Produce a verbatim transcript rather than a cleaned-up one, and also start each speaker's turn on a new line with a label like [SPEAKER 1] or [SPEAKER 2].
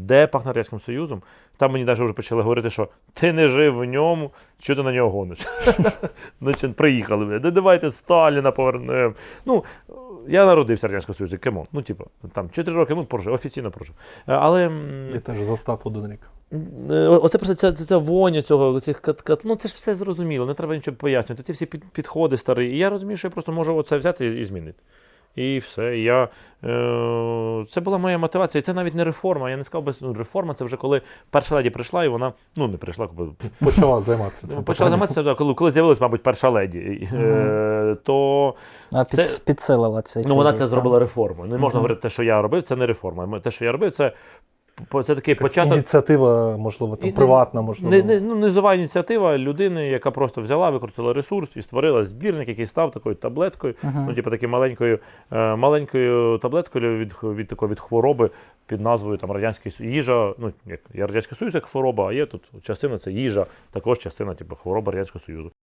[SPEAKER 1] де пахне Радянським Союзом. Там мені навіть вже почали говорити, що ти не жив в ньому, що ти на нього гониш. Значить, приїхали, де давайте Сталіна повернемо. Ну, я народився в Радянському Союзі, кемон. Ну, типу, там чотири роки, ну, прожив, офіційно прожив. Але...
[SPEAKER 2] Я теж застав один рік.
[SPEAKER 1] Оце просто ця, ця, ця воня цього, цих кат, кат, ну це ж все зрозуміло, не треба нічого пояснювати. Ці всі під, підходи старі. І я розумію, що я просто можу оце взяти і, і змінити. І все. І я, е, це була моя мотивація. І це навіть не реформа. Я не сказав би, ну, реформа це вже коли перша леді прийшла, і вона, ну не прийшла,
[SPEAKER 2] почала займатися цим.
[SPEAKER 1] Почала займатися, коли, коли з'явилась, мабуть, перша леді.
[SPEAKER 2] Mm-hmm.
[SPEAKER 1] Е, то
[SPEAKER 3] а під,
[SPEAKER 1] це,
[SPEAKER 3] підсилила це.
[SPEAKER 1] Ну вона це зробила реформою. Не можна mm-hmm. говорити, те, що я робив, це не реформа. Те, що я робив, це Це такий початок.
[SPEAKER 2] Ініціатива, можливо, там, приватна, можливо.
[SPEAKER 1] Не, не, ну, низова ініціатива людини, яка просто взяла, викрутила ресурс і створила збірник, який став такою таблеткою, uh-huh. ну, типу, такою маленькою, е, маленькою таблеткою від, від, від, від хвороби під назвою там, Радянський Союз. Їжа, ну, як, є Радянський Союз як хвороба, а є тут частина, це їжа, також частина типу, хвороби Радянського Союзу.